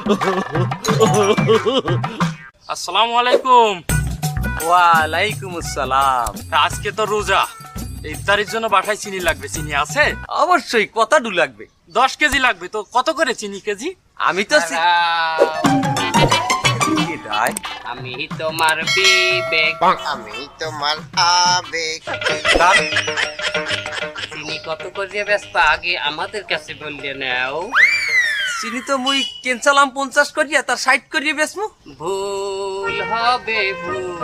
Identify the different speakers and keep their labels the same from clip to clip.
Speaker 1: আসসালামু আলাইকুম।
Speaker 2: ওয়ালাইকুম আসসালাম।
Speaker 1: আজকে তো রোজা, ইফতারের জন্য বাসায় চিনি লাগবে। চিনি আছে?
Speaker 2: অবশ্যই কতটু লাগবে?
Speaker 1: 10 কেজি লাগবে। তো কত করে চিনি কেজি?
Speaker 2: আমি তো
Speaker 3: আমি তোমার বিবেক,
Speaker 4: আমি তোমার আবেগ।
Speaker 3: চিনি কত করে ব্যস্ত আগে আমাদের কাছে বললে নাও।
Speaker 2: চিনি তো মুই কেনচালাম 50 করিয়া, তার 60 করিয়া বেসমু।
Speaker 3: ভুল হবে ভুল,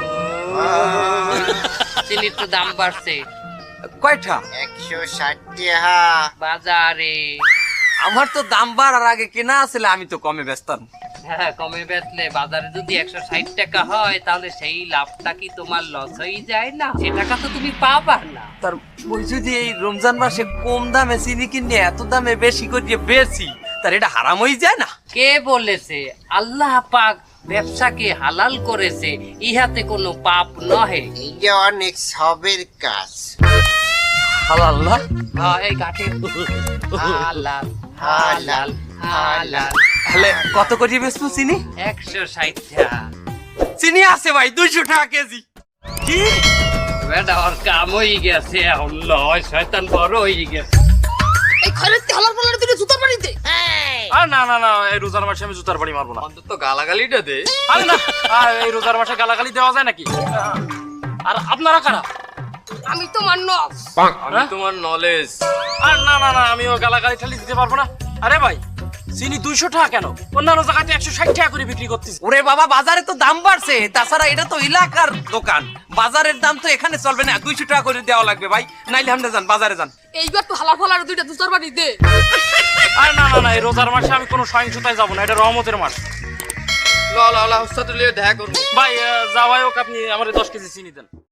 Speaker 3: চিনির তো দাম বাড়ছে
Speaker 2: কয়টা?
Speaker 4: 160 টাকা।
Speaker 3: বাজারে।
Speaker 2: আমার তো দাম বাড়ার আগে কেনা আছে, আমি তো কমে বেচতাম।
Speaker 3: হ্যাঁ, কমে বেচলে বাজারে যদি 160 টাকা হয় তাহলে সেই লাভটা কি তোমার লস হয়ে যায় না? সে টাকা তো তুমি পাবা না।
Speaker 2: তার ওই যদি এই রমজান মাসে কম দামে চিনি কিনে এত দামে বেশি করিয়ে বেচি, তার এটা হারাম হয়ে যায় না?
Speaker 3: কে বলেছে? আল্লাহ পাক ব্যবসাকে হালাল করেছে, ইহাতে কোনো পাপ নহে।
Speaker 4: এটা অনেক সবের কাজ।
Speaker 2: হালাল না?
Speaker 3: হ্যাঁ, এই গাঠে হালাল হালাল হালাল।
Speaker 2: তাহলে কত করিয়ে বেচবো চিনি?
Speaker 3: 160 টাকা।
Speaker 2: চিনি আছে ভাই 200 টাকা কেজি। কি
Speaker 3: বেটা, ওর কাম হয়ে গেছে, এখন লয় শয়তান বড় হয়ে গেছে।
Speaker 5: এই খয়রাতি হালার পালার দিনে জুতার বাড়িতে
Speaker 1: আর না না না, এই রোজার মাসে আমি জুতার বাড়ি মারবো না।
Speaker 2: অন্তত গালাগালিটা দে।
Speaker 1: আরে না, এই রোজার মাসে গালাগালি দেওয়া যায় নাকি? আর আপনারা কারা?
Speaker 5: আমি তোমার নফস।
Speaker 2: আমি তোমার নলেজ।
Speaker 1: আর না না না, আমিও গালাগালি ঠালি দিতে পারবো না। আরে ভাই, চিনি 200 টাকা কেন? অন্যান্য জায়গাতে 160 টাকা করে বিক্রি করতেছি।
Speaker 2: ওরে বাবা, বাজারে তো দাম বাড়ছে, তাছাড়া এটা তো এলাকার দোকান, বাজারের দাম তো এখানে চলবে না। 200 টাকা করে দেওয়া লাগবে ভাই, নাইলে আপনি যান বাজারে যান।
Speaker 5: এইবার তো হালার ফালার দুইটা জুতার বাড়ি দে।
Speaker 1: আর না না না, এই রোজার মাসে আমি কোনো সহিংসতায় যাবো না, এটা রহমতের মাস।
Speaker 2: ল ল ল, উস্তাদ লিয়ে দেখা করব।
Speaker 1: ভাই যাওয়াই হোক, আপনি আমার 10 কেজি চিনি দেন।